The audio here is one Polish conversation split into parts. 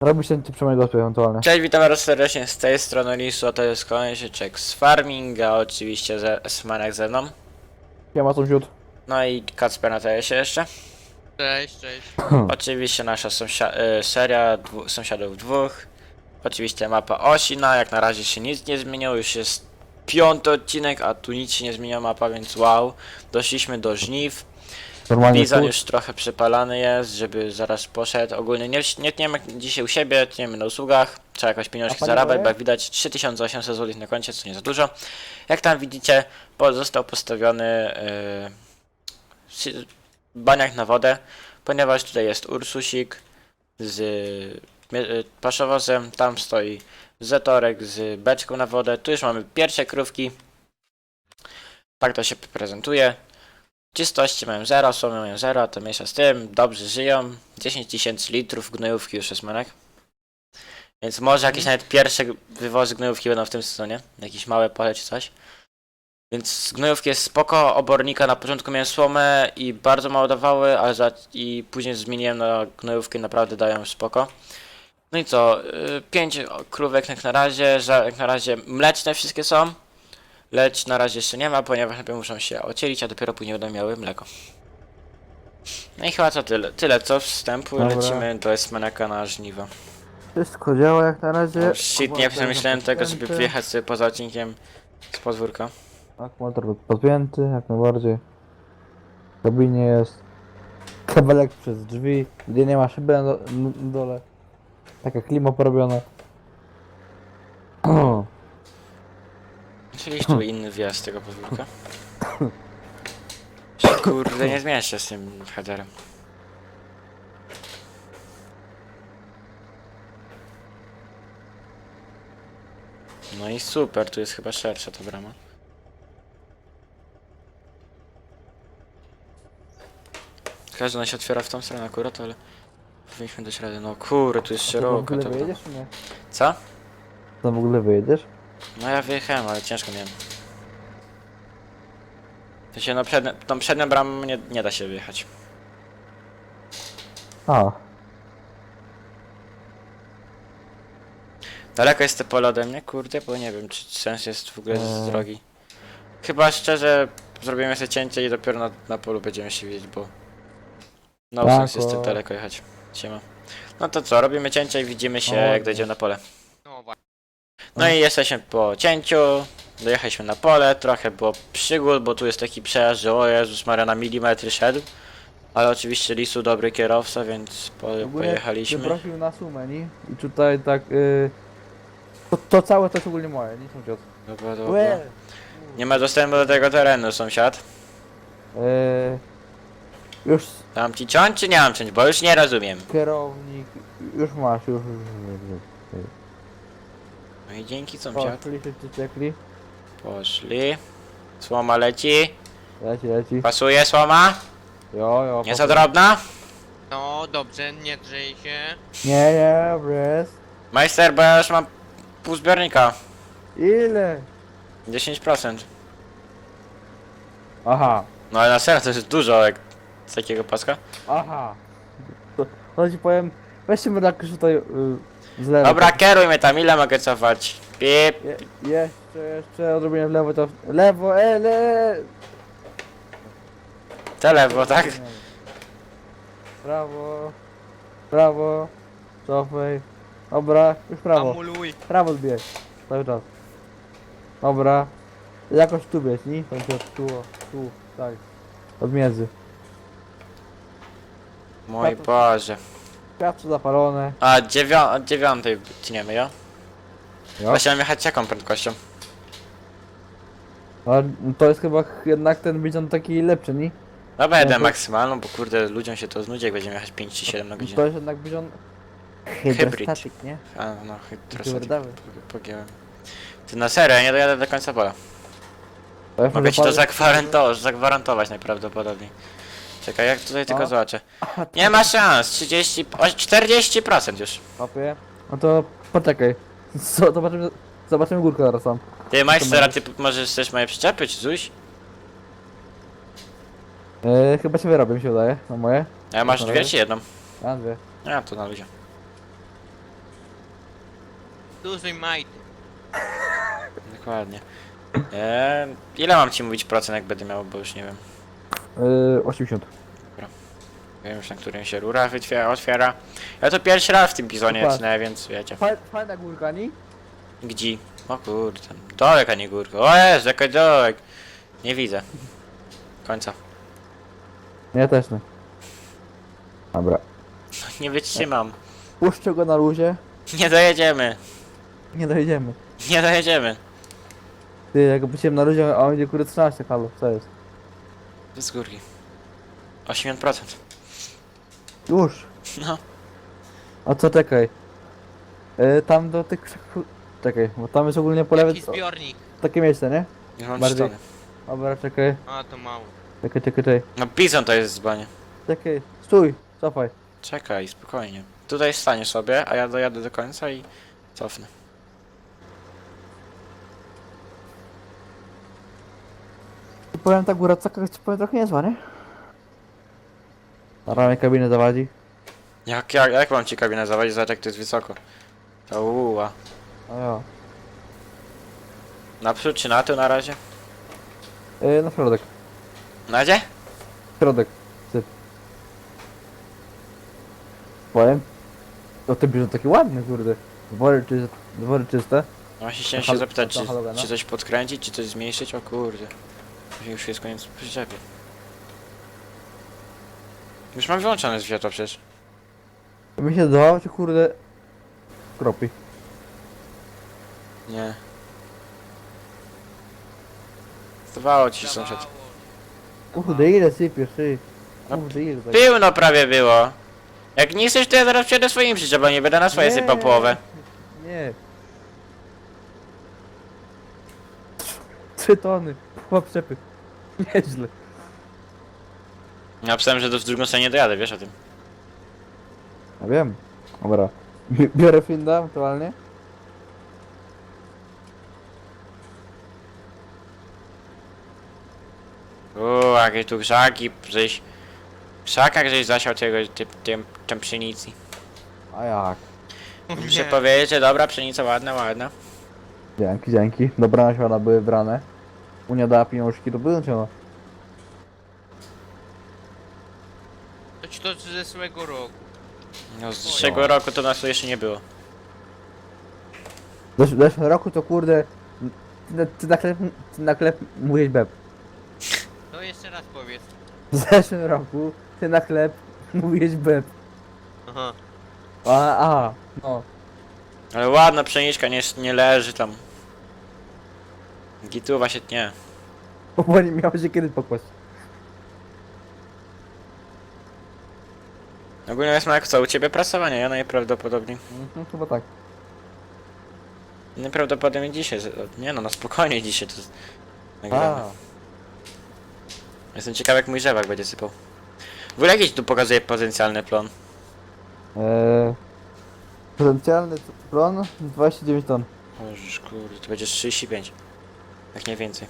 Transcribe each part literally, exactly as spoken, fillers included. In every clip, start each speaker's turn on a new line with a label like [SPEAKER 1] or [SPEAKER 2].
[SPEAKER 1] Robi się ty przynajmniej gospie ewentualnie.
[SPEAKER 2] Cześć, witam bardzo serdecznie z tej strony Lisu, a to jest kolejny sieczek z farminga, oczywiście ze Smanek ze mną.
[SPEAKER 1] Ja ma sąsiód.
[SPEAKER 2] No i Kacper na T S ie jeszcze.
[SPEAKER 3] Cześć, cześć.
[SPEAKER 2] Oczywiście nasza sąsia y, seria dwu sąsiadów dwóch. Oczywiście mapa Osina, jak na razie się nic nie zmieniło, już jest piąty odcinek, a tu nic się nie zmienia mapa, więc wow. Doszliśmy do żniw.
[SPEAKER 1] Normalnie
[SPEAKER 2] Bizon
[SPEAKER 1] tu.
[SPEAKER 2] już trochę przypalany jest, żeby zaraz poszedł. Ogólnie nie, nie tniemy dzisiaj u siebie, tniemy na usługach. Trzeba jakoś pieniążki
[SPEAKER 1] A
[SPEAKER 2] zarabiać,
[SPEAKER 1] paliwo
[SPEAKER 2] bo jak widać trzy tysiące osiemset złotych na koncie, co nie za dużo. Jak tam widzicie, po- został postawiony yy, baniak na wodę, ponieważ tutaj jest Ursusik z yy, paszowozem, tam stoi Zetorek z beczką na wodę. Tu już mamy pierwsze krówki. Tak to się prezentuje. Czystości mają zero, słomy mają zero, to mniejsza z tym, dobrze żyją. dziesięć tysięcy litrów gnojówki już jest manek. Więc może jakieś nawet pierwsze wywozy gnojówki będą w tym sezonie. Jakieś małe pole czy coś. Więc z gnojówki jest spoko, obornika na początku miałem słomę i bardzo mało dawały, ale za, i później zmieniłem na gnojówkę i naprawdę dają spoko. No i co, yy, pięć krówek jak na razie, że jak na razie mleczne wszystkie są. Lecz na razie jeszcze nie ma, ponieważ najpierw muszą się ocielić, a dopiero później będą miały mleko. No i chyba co tyle. Tyle co wstępu,
[SPEAKER 1] Dobra.
[SPEAKER 2] lecimy do Esmanaka na żniwo.
[SPEAKER 1] Wszystko działa jak na razie.
[SPEAKER 2] Oh shit, nie przemyślałem tego, żeby wjechać sobie poza odcinkiem z podwórka.
[SPEAKER 1] Akumulator podpięty, jak najbardziej. W kabinie jest. Kabelek przez drzwi, gdzie nie ma szyby na, do, na dole. Taka klima porobiona.
[SPEAKER 2] Czyli tu inny wjazd z tego podwórka. Kurde, nie zmienia się z tym headerem. No i super, tu jest chyba szersza ta brama. Każdy ona się otwiera w tą stronę akurat, ale powinniśmy dać radę. No kurde, tu jest
[SPEAKER 1] Ty w
[SPEAKER 2] szeroka
[SPEAKER 1] ogóle
[SPEAKER 2] ta brama.
[SPEAKER 1] wyjedziesz czy nie?
[SPEAKER 2] Co?
[SPEAKER 1] Tam w ogóle wyjedziesz?
[SPEAKER 2] No ja wyjechałem, ale ciężko miałem. To się no przednie, tą przednią bramą nie, nie da się wyjechać.
[SPEAKER 1] A,
[SPEAKER 2] Daleko jest to pole ode mnie, kurde, bo nie wiem, czy sens jest w ogóle z
[SPEAKER 1] Eee.
[SPEAKER 2] drogi. Chyba szczerze zrobimy sobie cięcie i dopiero na, na polu będziemy się widzieć, bo no
[SPEAKER 1] Tak,
[SPEAKER 2] sens jest tak
[SPEAKER 1] o.
[SPEAKER 2] daleko jechać. Siema. No to co, robimy cięcie i widzimy się
[SPEAKER 1] O,
[SPEAKER 2] jak
[SPEAKER 1] nie.
[SPEAKER 2] dojdziemy na pole.
[SPEAKER 3] No właśnie.
[SPEAKER 2] No i jesteśmy po cięciu, dojechaliśmy na pole, trochę było przygód, bo tu jest taki przejazd, że o Jezus Maria, na milimetry szedł. Ale oczywiście Lisu dobry kierowca, więc po,
[SPEAKER 1] w ogóle
[SPEAKER 2] pojechaliśmy.
[SPEAKER 1] prosił na sumę, nie? I tutaj tak... Y, to, to całe to jest ogólnie moje, nie sąsiad.
[SPEAKER 2] Dobra, dobra.
[SPEAKER 1] Łe!
[SPEAKER 2] Nie ma dostępu do tego terenu, sąsiad.
[SPEAKER 1] Y, już
[SPEAKER 2] Mam ci ciąć czy nie mam ciąć, bo już nie rozumiem.
[SPEAKER 1] kierownik, już masz, już... już, już.
[SPEAKER 2] No i dzięki sąsiad.
[SPEAKER 1] Poszli, wszyscy ciekli.
[SPEAKER 2] Poszli. Słoma leci.
[SPEAKER 1] Leci, leci.
[SPEAKER 2] Pasuje słoma?
[SPEAKER 1] Jo, jo.
[SPEAKER 2] Nie za
[SPEAKER 1] poszli.
[SPEAKER 2] drobna?
[SPEAKER 3] No dobrze, nie drzyj się.
[SPEAKER 1] Nie, nie, dobry jest.
[SPEAKER 2] Majster, bo ja już mam pół zbiornika.
[SPEAKER 1] Ile?
[SPEAKER 2] dziesięć procent.
[SPEAKER 1] Aha,
[SPEAKER 2] No ale na serio to jest dużo jak z takiego paska.
[SPEAKER 1] aha. To, to ci powiem, weźcie mnie tak już tutaj y, z lewej.
[SPEAKER 2] Dobra, kieruj mnie tam, ile mogę cofać? Pip.
[SPEAKER 1] Je, jeszcze, jeszcze odrobienie w lewo, to w lewo, e, le.
[SPEAKER 2] Te lewo, tak?
[SPEAKER 1] Prawo, prawo, cofaj. Dobra, już prawo,
[SPEAKER 3] Amuluj.
[SPEAKER 1] prawo zbierz, cały czas. Dobra, jakoś tu bierz, nie? Tam się tu, o, tu, tak, od między.
[SPEAKER 2] Mój Boże.
[SPEAKER 1] Światło zapalone.
[SPEAKER 2] A dziewią od dziewiątej tniemy, jo?
[SPEAKER 1] Jo.
[SPEAKER 2] Właśnie mam jechać jaką prędkością?
[SPEAKER 1] Ale to jest chyba jednak ten bizon taki lepszy, nie?
[SPEAKER 2] Dobra, jedę
[SPEAKER 1] No to-
[SPEAKER 2] maksymalną, bo kurde ludziom się to znudzi jak będziemy jechać pięć czy siedem na
[SPEAKER 1] To
[SPEAKER 2] godzinę.
[SPEAKER 1] jest jednak bizon
[SPEAKER 2] Hybrid.
[SPEAKER 1] hydrostatyk, nie?
[SPEAKER 2] A no, hydrostatyk.
[SPEAKER 1] Twardawy.
[SPEAKER 2] po- pogięłem. Ty na serio, ja nie dojadę do końca pola.
[SPEAKER 1] To jak
[SPEAKER 2] Mogę ci to
[SPEAKER 1] zapalić-
[SPEAKER 2] zagwarantować, zagwarantować najprawdopodobniej. Czekaj, jak tutaj tylko
[SPEAKER 1] O.
[SPEAKER 2] zobaczę. Nie ma szans, trzydzieści, o, czterdzieści procent już.
[SPEAKER 1] Hopie. No to poczekaj. Co, zobaczymy, zobaczymy górkę zaraz tam.
[SPEAKER 2] Ty majster, a ty p- możesz chcesz moje przyczepy, czy coś?
[SPEAKER 1] Yy, chyba się wyrobię, mi się wydaje, na moje.
[SPEAKER 2] A masz
[SPEAKER 1] Na
[SPEAKER 2] dwie
[SPEAKER 1] razie.
[SPEAKER 2] czy jedną?
[SPEAKER 1] A, dwie.
[SPEAKER 2] A, to na ludzie.
[SPEAKER 3] Dużej majty.
[SPEAKER 2] Dokładnie. Eee, ile mam ci mówić procent, jak będę miał, bo już nie wiem.
[SPEAKER 1] Yy, osiemdziesiąt.
[SPEAKER 2] Wiem już, na którym się rura wytwiera, otwiera. Ja to pierwszy raz w tym bizonie
[SPEAKER 1] Patrz.
[SPEAKER 2] tnę, więc wiecie.
[SPEAKER 1] Fajna górka, nie?
[SPEAKER 2] Gdzie? O kurde, dołek, a nie górka. O jest, jaki dołek. Nie widzę. Końca.
[SPEAKER 1] Ja też nie. Dobra.
[SPEAKER 2] Nie wytrzymam.
[SPEAKER 1] Puszczę go na luzie.
[SPEAKER 2] Nie dojedziemy.
[SPEAKER 1] Nie dojedziemy.
[SPEAKER 2] Nie dojedziemy.
[SPEAKER 1] Ty, jak byciem na luzie, a on będzie kurde trzynaście, halo, co jest?
[SPEAKER 2] Z górki. osiemdziesiąt procent.
[SPEAKER 1] Już.
[SPEAKER 2] No.
[SPEAKER 1] A co, czekaj. Yy, tam do tych krzaków... Czekaj, bo tam jest ogólnie po lewej...
[SPEAKER 3] Jaki zbiornik?
[SPEAKER 1] Takie miejsce, nie?
[SPEAKER 2] Już mam
[SPEAKER 1] Bardziej.
[SPEAKER 2] cztery.
[SPEAKER 1] Dobra, czekaj.
[SPEAKER 3] A, to mało.
[SPEAKER 1] Czekaj, czekaj, czekaj.
[SPEAKER 2] No bizon to jest dzbanie.
[SPEAKER 1] Czekaj, stój, cofaj.
[SPEAKER 2] Czekaj, spokojnie. Tutaj stanie sobie, a ja dojadę do końca i cofnę.
[SPEAKER 1] Powiem tak, góra taka ci powiem trochę niezła, nie? Na ramię kabiny zawadzi.
[SPEAKER 2] Jak, jak, jak mam ci kabinę zawadzić? Zobacz jak to jest wysoko. To uła.
[SPEAKER 1] A ja.
[SPEAKER 2] Naprzód czy na tył na razie?
[SPEAKER 1] Yy, na środek.
[SPEAKER 2] Na gdzie?
[SPEAKER 1] Środek. Syp. Powiem. No ten bierzą taki ładny, kurde. Dwory, czy, dwory czyste.
[SPEAKER 2] No właśnie chciałem
[SPEAKER 1] Na
[SPEAKER 2] się
[SPEAKER 1] hal-
[SPEAKER 2] zapytać,
[SPEAKER 1] na
[SPEAKER 2] czy,
[SPEAKER 1] halogena?
[SPEAKER 2] czy coś podkręcić, czy coś zmniejszyć? O kurde. Już jest koniec przyczepy. Już mam wyłączone światło przecież.
[SPEAKER 1] Mi się zdawało, czy kurde... Kropi.
[SPEAKER 2] Nie. Zdawało ci się sąsiad.
[SPEAKER 1] Kurde, ile sypiesz, ty?
[SPEAKER 2] No,
[SPEAKER 1] Kurde, ile tak?
[SPEAKER 2] Pełno prawie było. Jak nie chcesz, to ja zaraz przyjadę swoim przyczepem, nie będę na swoje
[SPEAKER 1] Nie.
[SPEAKER 2] sypał połowę.
[SPEAKER 1] Nie. Trzy tony. Chyba przepy. Nieźle.
[SPEAKER 2] Napisałem, że do w drugą stronę nie dojadę, wiesz o tym.
[SPEAKER 1] Ja wiem. Dobra. Bi- Biorę Finda aktualnie.
[SPEAKER 2] Uuu, jakie tu krzaki, żeś... W krzakach żeś zasiał tego, tym, tym, tym pszenicy.
[SPEAKER 1] A jak?
[SPEAKER 2] Muszę powiedzieć, że dobra pszenica, ładna, ładna.
[SPEAKER 1] Dzięki, dzięki. Dobra nasiona były brane. Unia dała pieniążki, to były ciągle.
[SPEAKER 3] To ci to z zeszłego roku.
[SPEAKER 2] No z zeszłego roku to nas tu jeszcze nie było.
[SPEAKER 1] W zesz- w zeszłym roku to kurde... Ty, na- ty na chleb, ty na chleb mówisz beb.
[SPEAKER 3] To jeszcze raz powiedz.
[SPEAKER 1] W zeszłym roku ty na chleb mówisz beb.
[SPEAKER 3] Aha.
[SPEAKER 1] A, a, no.
[SPEAKER 2] Ale ładna pszeniczka, nie, nie leży tam. Gituwa się tnie.
[SPEAKER 1] Bo nie miało się kiedy pokłaść.
[SPEAKER 2] Ogólnie jest jak co, u ciebie prasowanie, ja najprawdopodobniej.
[SPEAKER 1] Mhm, chyba tak.
[SPEAKER 2] Najprawdopodobniej dzisiaj, z- nie no, na spokojnie dzisiaj to z- nagramy.
[SPEAKER 1] A,
[SPEAKER 2] Jestem ciekaw jak mój rzewak będzie sypał. W ogóle jakiś tu pokazuje potencjalny plon.
[SPEAKER 1] Eee, potencjalny plon dwadzieścia dziewięć ton.
[SPEAKER 2] Oż kurde, to będzie trzydzieści pięć. Jak nie więcej.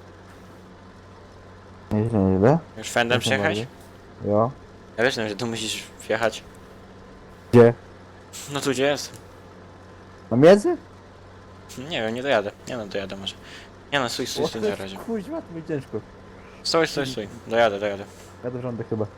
[SPEAKER 1] Nieźle, nieźle.
[SPEAKER 2] Już fendem przejechać?
[SPEAKER 1] Jo.
[SPEAKER 2] Ja wiesz, że tu musisz wjechać.
[SPEAKER 1] Gdzie?
[SPEAKER 2] No tu gdzie jest?
[SPEAKER 1] Na miedzy?
[SPEAKER 2] Nie wiem, nie dojadę. Nie no, dojadę może. Nie no, stój, stój, stój na razie.
[SPEAKER 1] Kuźwa, to będzie ciężko.
[SPEAKER 2] Stój, stój, stój. Dojadę, dojadę.
[SPEAKER 1] Ja do rządek chyba.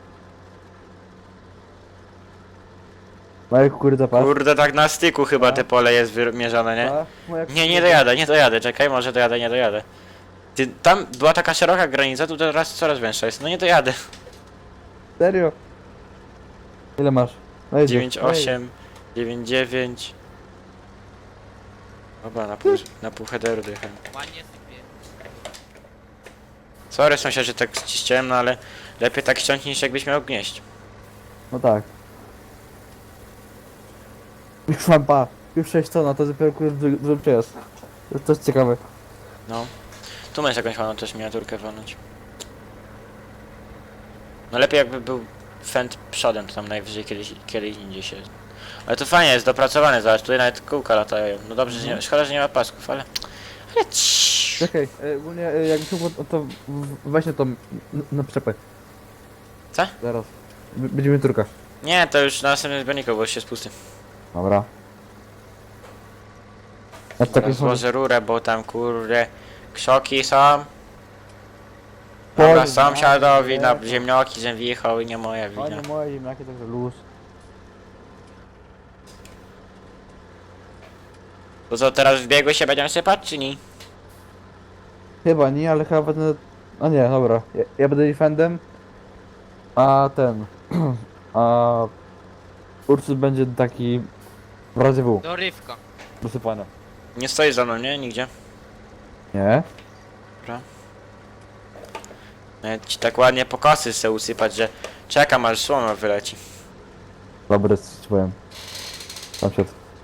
[SPEAKER 1] Marek, kurde, patrz.
[SPEAKER 2] Kurde, tak na styku chyba
[SPEAKER 1] A?
[SPEAKER 2] te pole jest wymierzone, nie?
[SPEAKER 1] A, moja
[SPEAKER 2] Nie, nie
[SPEAKER 1] kurde.
[SPEAKER 2] dojadę, nie dojadę, czekaj, może dojadę, nie dojadę. Ty, tam była taka szeroka granica, tu teraz coraz węższa jest, no nie dojadę.
[SPEAKER 1] Serio? Ile masz? No jedziesz.
[SPEAKER 2] dziewięć osiem, dziewięć dziewięć. Dobra, na pół, na pół headeru dojechałem.
[SPEAKER 3] Ładnie sypie.
[SPEAKER 2] Sorry sąsiad, że tak ściściłem, no ale lepiej tak ściąć niż jakbyś miał gnieść.
[SPEAKER 1] No tak. Już mam pa. Już sześć ton, a to dopiero kurde drugi przejazd. To jest coś ciekawe.
[SPEAKER 2] No. Tu masz jakąś ładną też miniaturkę walnąć. No lepiej jakby był fend przodem, to tam najwyżej kiedyś, kiedyś indziej się... Ale to fajnie jest dopracowane, zobacz, tutaj nawet kółka latają. No dobrze, że nie, szkoda, że nie ma pasków, ale... Ale ciii.
[SPEAKER 1] Czekaj, e, ogólnie e, jakbyś mógł, to, to w- weźmy to na przyczepę.
[SPEAKER 2] Co?
[SPEAKER 1] Zaraz. B- Będziemy turka.
[SPEAKER 2] Nie, to już na następnym zbiorniku, bo już jest pusty.
[SPEAKER 1] Dobra. Ja takie
[SPEAKER 2] Teraz
[SPEAKER 1] są...
[SPEAKER 2] złożę rurę, bo tam kurde krzoki są. Dobra,
[SPEAKER 1] Powiem,
[SPEAKER 2] sąsiadowi
[SPEAKER 1] no,
[SPEAKER 2] na
[SPEAKER 1] to-
[SPEAKER 2] ziemnioki, że wjechał i nie moja
[SPEAKER 1] A
[SPEAKER 2] wina.
[SPEAKER 1] nie moje ziemniaki, także luz.
[SPEAKER 2] To co, teraz w biegu się będziemy sypać, czy nie?
[SPEAKER 1] Chyba nie, ale chyba będę... A nie, dobra. Ja, ja będę defendem. A ten... A... Ursus będzie taki... W razie W.
[SPEAKER 3] Dorywka.
[SPEAKER 1] Dosypania.
[SPEAKER 2] Nie stoisz za mną, nie? Nigdzie.
[SPEAKER 1] Nie?
[SPEAKER 2] Nawet ci tak ładnie po kosy chcę usypać, że czekam aż słoma wyleci.
[SPEAKER 1] Dobry, ci powiem. Sąsiad.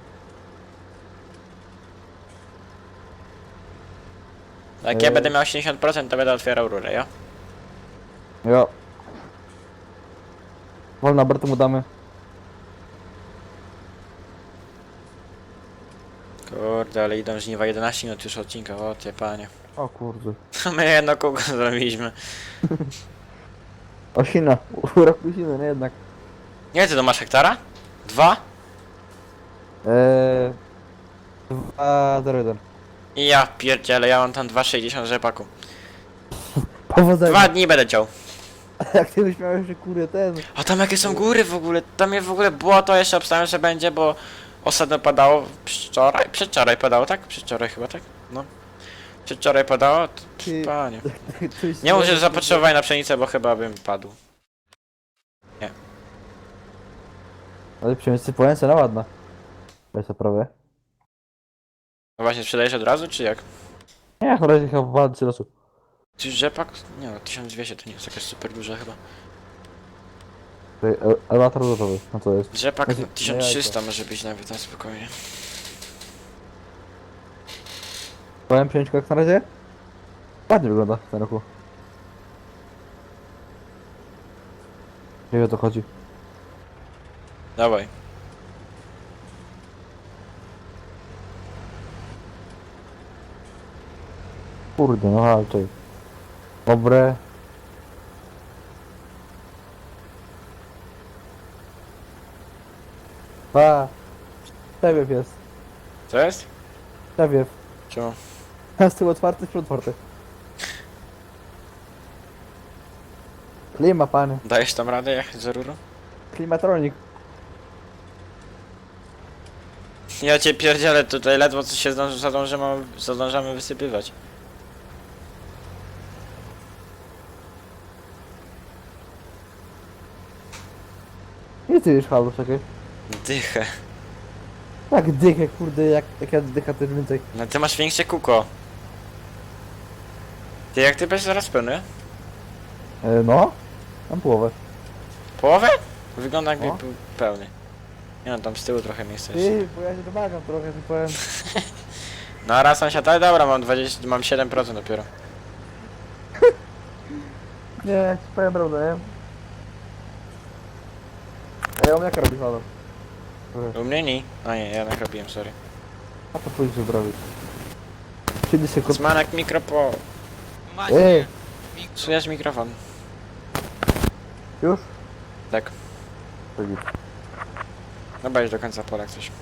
[SPEAKER 2] Jak ja
[SPEAKER 1] Eee.
[SPEAKER 2] będę miał osiemdziesiąt procent, to będę otwierał rurę, ja?
[SPEAKER 1] Jo. Wolna Bertę mu damy.
[SPEAKER 2] Kurde, ale idą żniwa jedenaście minut już odcinka, o ty panie.
[SPEAKER 1] O kurde.
[SPEAKER 2] My jedno kółko zrobiliśmy.
[SPEAKER 1] Osina. Urok musimy, nie jednak.
[SPEAKER 2] Nie, ty to masz hektara? Dwa?
[SPEAKER 1] Eee... Dwa zero jeden.
[SPEAKER 2] I ja pierdzielę, ja mam tam dwa sześćdziesiąt rzepaku.
[SPEAKER 1] Powodzenia.
[SPEAKER 2] Dwa dni będę ciął.
[SPEAKER 1] Jak ty byś miał jeszcze kurde ten...
[SPEAKER 2] A tam jakie są góry w ogóle, tam jest w ogóle błoto, jeszcze obstawiam, że będzie, bo ostatnio padało, wczoraj, przedwczoraj padało, tak? Przedwczoraj chyba, tak? No. Przedwczoraj padało, to,
[SPEAKER 1] Ty-
[SPEAKER 2] panie.
[SPEAKER 1] Coś
[SPEAKER 2] Nie muszę zapotrzebować na pszenicę, bo chyba bym padł.
[SPEAKER 1] Ale przemysły połęce na ładna. Weź to prawie.
[SPEAKER 2] No właśnie, sprzedajesz od razu, czy jak?
[SPEAKER 1] Nie, na razie chyba walczy losu.
[SPEAKER 2] Czy rzepak? Nie no, tysiąc dwieście to nie jest jakaś super duża chyba.
[SPEAKER 1] Elewator gotowy. No to jest.
[SPEAKER 2] Rzepak
[SPEAKER 1] Znaczy,
[SPEAKER 2] no, tysiąc trzysta może być nawet na spokojnie.
[SPEAKER 1] Powiem przemysł jak na razie? Ładnie wygląda w tym roku. Nie wiem o to chodzi.
[SPEAKER 2] Dawaj.
[SPEAKER 1] Kurde, no walczej. Dobre. Pa. Przewiew jest.
[SPEAKER 2] Co jest?
[SPEAKER 1] Przewiew.
[SPEAKER 2] Czemu?
[SPEAKER 1] A z tyłu otwarty, z przodu otwarty. Klima, panie.
[SPEAKER 2] Dajesz tam radę jechać za rurą?
[SPEAKER 1] Klimatronik.
[SPEAKER 2] Ja cię pierdzielę, tutaj ledwo co się zdąży, zadążymy, zadążamy wysypywać.
[SPEAKER 1] Nie ty już halu, czekaj.
[SPEAKER 2] Dychę.
[SPEAKER 1] Tak dychę, kurde, jak, jak ja dycha też więcej.
[SPEAKER 2] No ty masz większe kuko. Ty jak ty będziesz zaraz pełny?
[SPEAKER 1] E, no. Mam połowę.
[SPEAKER 2] Połowę? Wygląda jakby
[SPEAKER 1] No.
[SPEAKER 2] był pełny. Nie no, tam z tyłu trochę miejsca jest.
[SPEAKER 1] Ty, bo ja się domagam trochę, że powiem.
[SPEAKER 2] No a raz sąsiad, ale dobra, mam dwadzieścia, mam siedem procent dopiero.
[SPEAKER 1] Nie, ja ci powiem prawdę, nie? A ja mam jaka robi halo?
[SPEAKER 2] U mnie nie. A nie, ja nakropiłem, sorry.
[SPEAKER 1] A to pójdź zrobić. Kiedy się kot...
[SPEAKER 2] Zmanek mikro po...
[SPEAKER 3] Macie.
[SPEAKER 1] Ej,
[SPEAKER 3] Mikro.
[SPEAKER 2] Psujesz mikrofon.
[SPEAKER 1] już?
[SPEAKER 2] Tak.
[SPEAKER 1] To git.
[SPEAKER 2] Dobra, już do końca pola jak coś.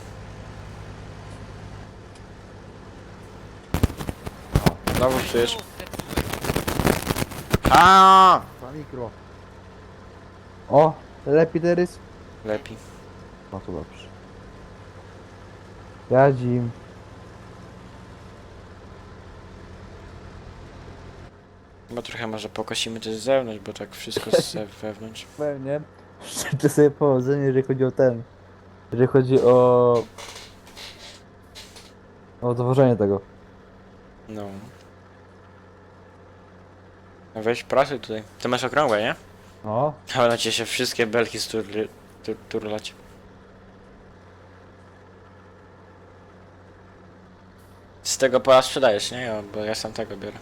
[SPEAKER 2] Znowu psujesz.
[SPEAKER 3] O, zepsułem.
[SPEAKER 2] A!
[SPEAKER 1] Dwa mikro. O, lepiej teraz?
[SPEAKER 2] Lepiej.
[SPEAKER 1] No to dobrze. Jadzim.
[SPEAKER 2] Bo trochę może pokosimy też z zewnątrz, bo tak wszystko z wewnątrz.
[SPEAKER 1] Pewnie. Życzę sobie powodzenia, jeżeli chodzi o ten. Jeżeli chodzi o... O dowożenie tego.
[SPEAKER 2] No. No weź prasuj tutaj. Ty masz okrągłe, nie?
[SPEAKER 1] No.
[SPEAKER 2] Ale na cię się wszystkie belki sturli, tur, turlać. Z tego pola sprzedajesz, nie? Ja, bo ja sam tego biorę.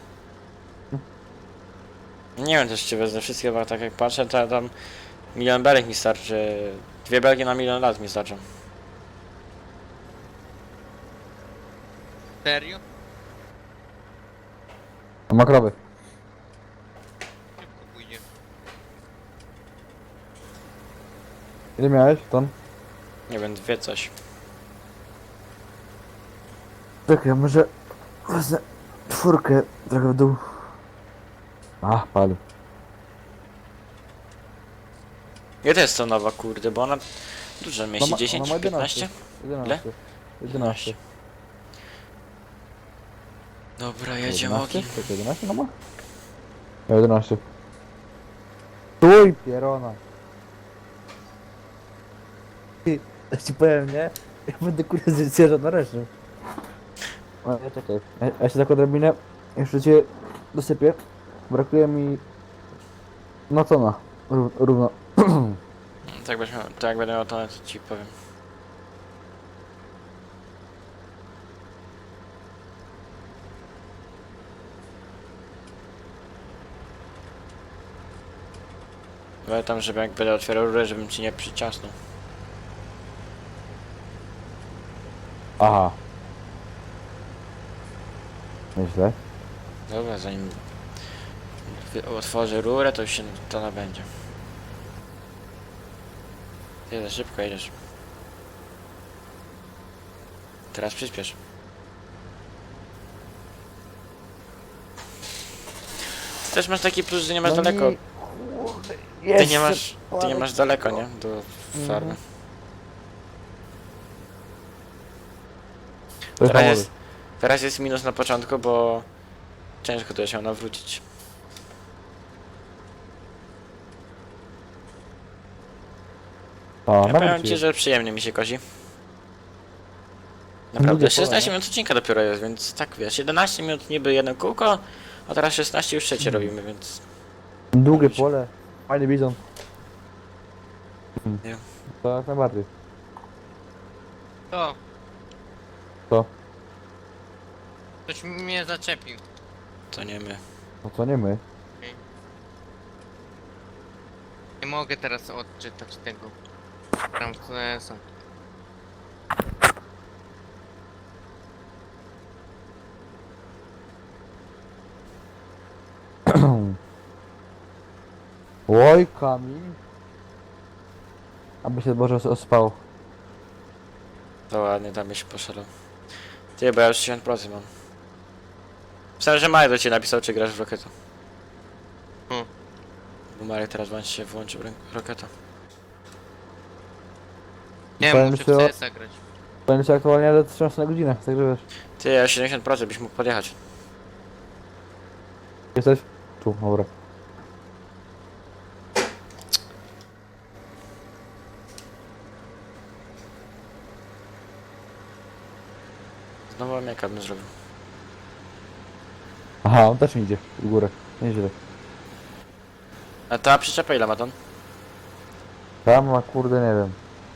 [SPEAKER 2] Nie wiem, też ci wezmę wszystkie, bo tak jak patrzę, to tam milion belek mi starczy. Dwie belki na milion lat mi starczą.
[SPEAKER 3] Serio?
[SPEAKER 1] A makrowy.
[SPEAKER 3] Szybko pójdzie.
[SPEAKER 1] Ile miałeś ton?
[SPEAKER 2] Nie wiem, dwie coś.
[SPEAKER 1] Czekaj, może wezmę czwórkę trochę w dół. A, pali.
[SPEAKER 2] Ja też to nowa, kurde, bo ona dużo mieści,
[SPEAKER 1] ma-
[SPEAKER 2] dziesięć,
[SPEAKER 1] ona ma
[SPEAKER 2] piętnaście?
[SPEAKER 1] jedenaście. jedenaście.
[SPEAKER 2] Dobra, jedziemy
[SPEAKER 1] jedenaście?
[SPEAKER 2] ogień.
[SPEAKER 1] Czekaj, jedenaście no ma? Ja jedenaście. Stój, pierona. Ty, ja ci powiem, nie? Ja będę kurde zjeżdżał na resztę. O, ja czekaj. Ja, ja się tak odrobinę, jeszcze cię dosypię. Brakuje mi... No co na? Rów- Równo.
[SPEAKER 2] Tak, byś miał, tak jak będę miał to, to ci powiem. Ale tam, żeby jak będę otwierał rurę, żebym ci nie przyciasnął.
[SPEAKER 1] Aha. Myślę.
[SPEAKER 2] Dobra, zanim wy- otworzę rurę, to już się to nabędzie. Ty za szybko jedziesz. Teraz przyspiesz. Ty też masz taki plus, że nie masz daleko. Ty nie masz, ty nie masz daleko, nie? Do farmy.
[SPEAKER 1] To jest
[SPEAKER 2] Teraz
[SPEAKER 1] jest...
[SPEAKER 2] jest, teraz jest minus na początku, bo ciężko to się nawrócić.
[SPEAKER 1] A,
[SPEAKER 2] Ja
[SPEAKER 1] nawet
[SPEAKER 2] powiem ci,
[SPEAKER 1] jest.
[SPEAKER 2] że przyjemnie mi się kozi. Naprawdę,
[SPEAKER 1] Lubię
[SPEAKER 2] szesnaście
[SPEAKER 1] pole,
[SPEAKER 2] minut odcinka dopiero jest, więc tak wiesz, jedenaście minut niby jedno kółko, a teraz szesnaście już trzecie
[SPEAKER 1] Mhm.
[SPEAKER 2] robimy, więc...
[SPEAKER 1] Długie pole. Fajny bizon.
[SPEAKER 2] Nie.
[SPEAKER 1] To jak najbardziej.
[SPEAKER 3] To.
[SPEAKER 1] Co?
[SPEAKER 3] Ktoś mnie zaczepił.
[SPEAKER 2] To nie my.
[SPEAKER 1] No to nie my.
[SPEAKER 3] Nie mogę teraz odczytać tego. Tam są.
[SPEAKER 1] Oj, Kamil. Aby się Boże ospał.
[SPEAKER 2] To ładnie, tam się poszedł. Ty, bo ja już sześćdziesiąt procent mam. Myślałem, że Marek do ciebie napisał, czy grasz w Rocketa.
[SPEAKER 3] Hmm.
[SPEAKER 2] Bo Marek teraz włączy się włączył rę- Rocketa.
[SPEAKER 3] Nie,
[SPEAKER 1] Powiem
[SPEAKER 3] muszę
[SPEAKER 1] ci o-
[SPEAKER 3] w C S a grać.
[SPEAKER 1] Będzie się aktualnie do trzynaście na godzinę, także wiesz.
[SPEAKER 2] Ty, ja siedemdziesiąt procent byś mógł podjechać.
[SPEAKER 1] Jesteś? Tu, dobra.
[SPEAKER 2] Znowu Amiaka bym zrobił.
[SPEAKER 1] Aha, on też mi idzie w górę. Nieźle.
[SPEAKER 2] A ta przyczepa ile ma ton?
[SPEAKER 1] Tam ma kurde nie wiem.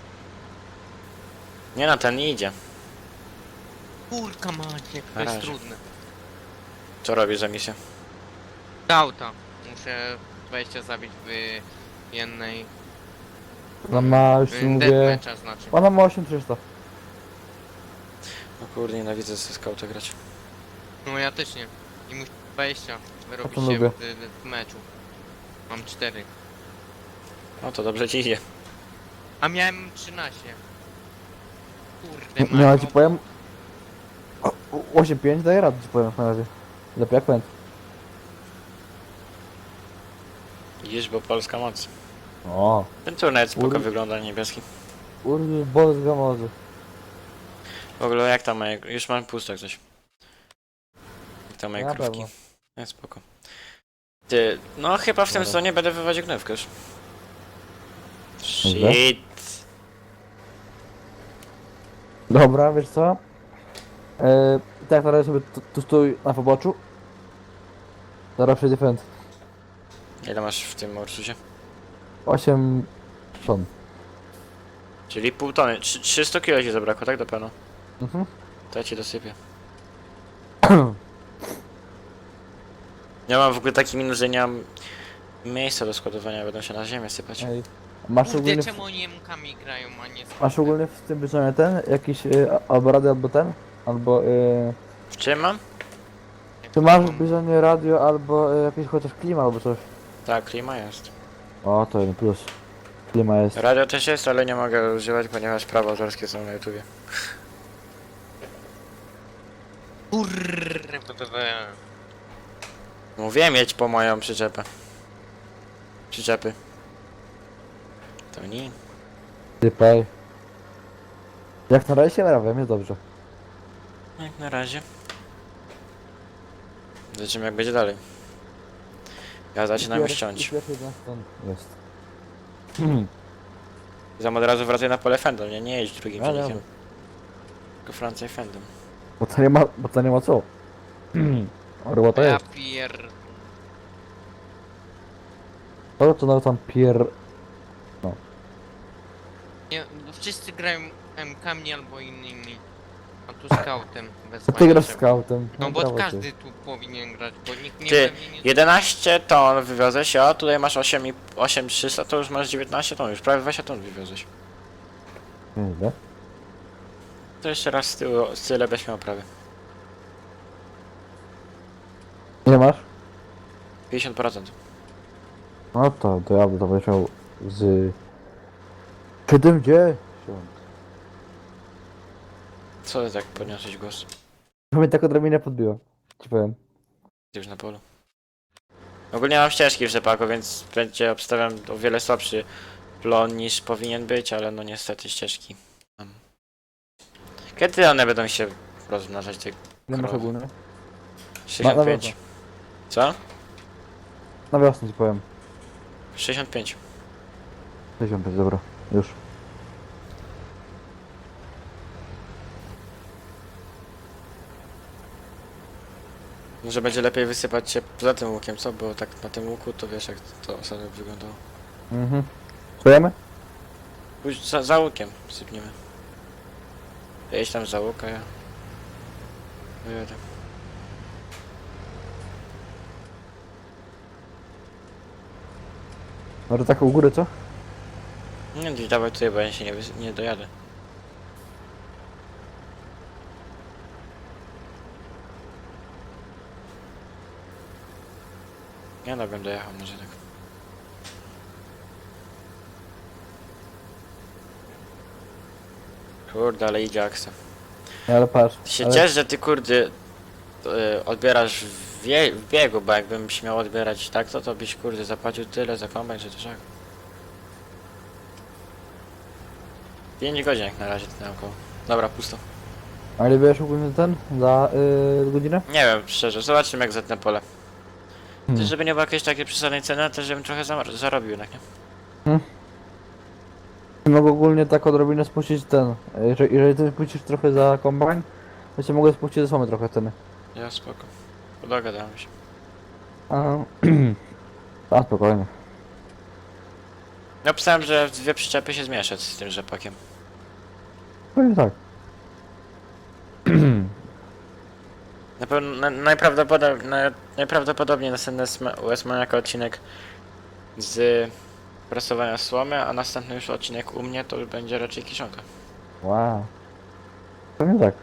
[SPEAKER 2] Nie no, ten nie idzie.
[SPEAKER 3] Kurka macie, to
[SPEAKER 2] Na
[SPEAKER 3] jest
[SPEAKER 2] razie.
[SPEAKER 3] trudne.
[SPEAKER 2] Co robisz za misję?
[SPEAKER 3] Auta. Muszę dwadzieścia zabić w jednej...
[SPEAKER 1] Ona ma, już ci
[SPEAKER 3] w
[SPEAKER 1] mówię...
[SPEAKER 3] deathmatcha znaczy.
[SPEAKER 1] Ona ma osiem tysięcy trzysta.
[SPEAKER 2] No kurde, nienawidzę ze skauta grać.
[SPEAKER 3] No ja też nie. I muszę dwadzieścia wyrobić
[SPEAKER 1] to
[SPEAKER 3] się
[SPEAKER 1] lubię.
[SPEAKER 3] w, w meczu. Mam cztery.
[SPEAKER 2] No to dobrze ci idzie.
[SPEAKER 3] A miałem trzynaście. Kurde,
[SPEAKER 1] Nie, ale
[SPEAKER 3] mam
[SPEAKER 1] ci powiem... o- o- osiem pięć daje radę, ci powiem na razie. Lepiej jak pęd.
[SPEAKER 2] Idziesz, bo polska moc.
[SPEAKER 1] O,
[SPEAKER 2] Ten turniej spoko
[SPEAKER 1] Ur-
[SPEAKER 2] wygląda, niebieski.
[SPEAKER 1] Ursus Boz Gamozy.
[SPEAKER 2] W ogóle jak tam moje... Już mam pusto jak coś. Jak tam moje
[SPEAKER 1] Na
[SPEAKER 2] krówki.
[SPEAKER 1] pewno.
[SPEAKER 2] Nie, spoko. Ty, no chyba w tym
[SPEAKER 1] Dobra.
[SPEAKER 2] sezonie będę wywodził gnewkę już.
[SPEAKER 1] Dobra.
[SPEAKER 2] Shit.
[SPEAKER 1] Dobra, wiesz co? Eee, tak na razie sobie tu, tu stój na poboczu. Zaraz przejdzie fent.
[SPEAKER 2] Ile masz w tym Ursusie?
[SPEAKER 1] osiem ton.
[SPEAKER 2] Czyli pół tony. Trzy- trzysta kilo ci zabrakło, tak do pełno?
[SPEAKER 1] Mhm.
[SPEAKER 2] To ja ci dosypię. Ja mam w ogóle taki minus, że nie mam miejsca do składowania, będą się na ziemię sypać.
[SPEAKER 1] Ej. Masz
[SPEAKER 3] Kurde,
[SPEAKER 1] ogólnie,
[SPEAKER 3] czemu oni emkami grają, a nie z...
[SPEAKER 1] masz ogólnie w tym wyznaczeniu ten? Jakiś y, a- albo radio, albo ten? Albo y,
[SPEAKER 2] W czym mam?
[SPEAKER 1] czy masz w Bizonie radio, albo y, jakiś chociaż klima, albo coś?
[SPEAKER 2] Tak, klima jest.
[SPEAKER 1] O, to jeden plus. Klima jest.
[SPEAKER 2] Radio też jest, ale nie mogę używać, ponieważ prawa autorskie są na YouTubie.
[SPEAKER 3] Kurwa.
[SPEAKER 2] Mówiłem jedź po moją przyczepę. Przyczepy. To nie.
[SPEAKER 1] Typaj. Jak na razie się naprawiam, jest dobrze.
[SPEAKER 2] Jak na razie. Zobaczymy jak będzie dalej. Ja zaczynam już ciąć.
[SPEAKER 1] Jest.
[SPEAKER 2] Zam od razu wracaj na pole fendem, nie, nie jedź drugim
[SPEAKER 1] Ale
[SPEAKER 2] ciągnikiem.
[SPEAKER 1] dobra.
[SPEAKER 2] Tylko Francja i fendem.
[SPEAKER 1] Bo to nie ma, bo to nie ma co. Orła to
[SPEAKER 3] Ja
[SPEAKER 1] jest.
[SPEAKER 3] pier...
[SPEAKER 1] To to nawet tam pier...
[SPEAKER 3] Nie, bo wszyscy grają M K-ami albo innymi. A tu scoutem
[SPEAKER 1] To
[SPEAKER 3] wezwanie
[SPEAKER 1] ty grasz
[SPEAKER 3] trzeba.
[SPEAKER 1] scoutem.
[SPEAKER 3] No bo
[SPEAKER 1] brawo ty.
[SPEAKER 3] każdy tu powinien grać, bo nikt nie
[SPEAKER 2] Ty,
[SPEAKER 3] pewnie nie...
[SPEAKER 2] jedenaście ton wywiozłeś, a tutaj masz osiem i osiem trzysta, to już masz dziewiętnaście ton, już prawie dwadzieścia ton wywiozłeś.
[SPEAKER 1] Nieźle.
[SPEAKER 2] To jeszcze raz z tyłu, z tyle byś miał prawie.
[SPEAKER 1] Nie masz?
[SPEAKER 2] pięćdziesiąt procent.
[SPEAKER 1] No to, to ja bym to powiedział z... siedemdziesiąt.
[SPEAKER 2] Co ty tak podniosłeś głos?
[SPEAKER 1] To mnie tak odrobinę podbiło. Ci powiem.
[SPEAKER 2] Ty już na polu. Ogólnie mam ścieżki w rzepaku, więc będzie obstawiam o wiele słabszy plon niż powinien być, ale no niestety ścieżki mam. Kiedy one będą się rozmnażać, te
[SPEAKER 1] Nie masz
[SPEAKER 2] krowy?
[SPEAKER 1] ogólnie? Na, na
[SPEAKER 2] sześćdziesiąt pięć.
[SPEAKER 1] wiosnę.
[SPEAKER 2] Co?
[SPEAKER 1] Na wiosnę ci powiem.
[SPEAKER 2] sześćdziesiąt pięć.
[SPEAKER 1] sześćdziesiąt pięć, dobra. Już.
[SPEAKER 2] Może będzie lepiej wysypać się poza tym łukiem, co? Bo tak na tym łuku to wiesz jak to ostatnio wyglądało.
[SPEAKER 1] Mhm. Czujemy?
[SPEAKER 2] Pójdź za, za łukiem sypniemy. Jedź tam za łuk, a ja... Wyjadę.
[SPEAKER 1] Może tak u góry, co?
[SPEAKER 2] Nie, nie dawaj tutaj, bo ja się nie, wys- nie dojadę. Ja no bym dojechał może tak. Kurde, ale idzie akcja.
[SPEAKER 1] Nie, ale patrz.
[SPEAKER 2] Ty się
[SPEAKER 1] ale...
[SPEAKER 2] ciesz, że ty kurde y, odbierasz w, wie, w biegu, bo jakbym śmiał odbierać tak, to to byś kurde zapłacił tyle za kombajn, że to żak. pięć godzin jak na razie naokoło. Dobra, pusto.
[SPEAKER 1] A ile wiesz ogólnie ten? Za yy, godzinę?
[SPEAKER 2] Nie wiem, szczerze, zobaczymy jak zetnę pole.
[SPEAKER 1] Hmm.
[SPEAKER 2] Też żeby nie było jakiejś takiej przesadnej ceny, też żebym trochę zamar- zarobił jednak, nie?
[SPEAKER 1] Mogę ogólnie tak odrobinę spuścić ten. Jeżeli, jeżeli ty spuścisz trochę za kombajn, to się mogę spuścić ze same trochę ceny.
[SPEAKER 2] Ja spoko. Dogadałem się.
[SPEAKER 1] A, a spokojnie.
[SPEAKER 2] Ja pisałem, że dwie przyczepy się zmieszać z tym rzepakiem.
[SPEAKER 1] Pewnie tak.
[SPEAKER 2] Na pewno, na, najprawdopodobniej, na, najprawdopodobniej następny u S Maniaka odcinek z prasowania słomy, a następny już odcinek u mnie to już będzie raczej kiszonka.
[SPEAKER 1] Wow. Pewnie tak.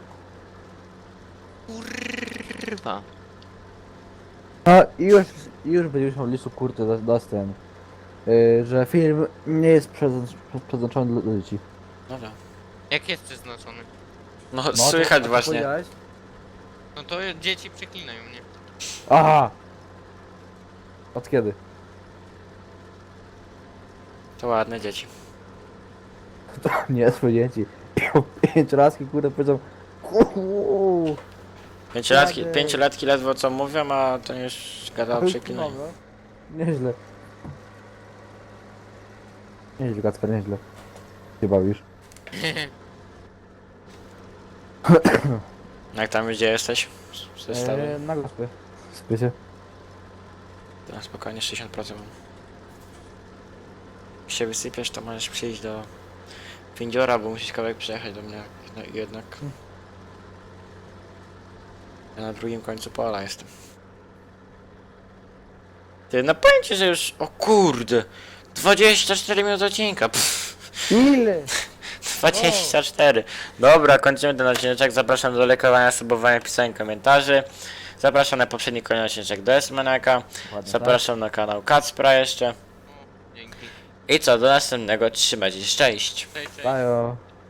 [SPEAKER 3] Kurwa.
[SPEAKER 1] A i już, i już będziesz miał listu kurde da- da ten. Yy, że film nie jest przeznacz- przeznaczony dla dzieci.
[SPEAKER 2] Dobra.
[SPEAKER 3] Jak jest przeznaczony?
[SPEAKER 2] No,
[SPEAKER 1] No, to-
[SPEAKER 2] słychać
[SPEAKER 1] a co
[SPEAKER 2] właśnie.
[SPEAKER 1] powiedziałeś?
[SPEAKER 3] No to dzieci przeklinają mnie.
[SPEAKER 1] Aha! Od kiedy?
[SPEAKER 2] To ładne dzieci.
[SPEAKER 1] To nie są dzieci. Pięciolatki kurde powiedzą. "Uuu".
[SPEAKER 2] Pięciolatki,
[SPEAKER 1] Ładne.
[SPEAKER 2] pięciolatki ledwo co mówią, a to już gada o przeklinaniu.
[SPEAKER 1] No, nieźle. Nieźle, Kacper, nieźle. Się bawisz.
[SPEAKER 2] Jak tam gdzie jesteś? Z zestawem?
[SPEAKER 1] Eee, na gospie. Spycie.
[SPEAKER 2] To spokojnie sześćdziesiąt procent mam. Jak się wysypiesz, to możesz przyjść do Windziora, bo musisz kawałek przejechać do mnie no, i jednak. Ja na drugim końcu pola jestem. Ty, no powiem ci, że już... O kurde! dwadzieścia cztery minuty odcinka! Pff,
[SPEAKER 1] Ile?
[SPEAKER 2] dwadzieścia cztery. Dobra, kończymy ten odcinek. Zapraszam do lajkowania, subowania, pisania komentarzy. Zapraszam na poprzedni kolejny odcinek do S-Manaka. Zapraszam na kanał Kacpra jeszcze.
[SPEAKER 3] Dzięki.
[SPEAKER 2] I co, do następnego. Trzymajcie się, cześć!
[SPEAKER 3] Cześć, cześć.
[SPEAKER 1] Bajo.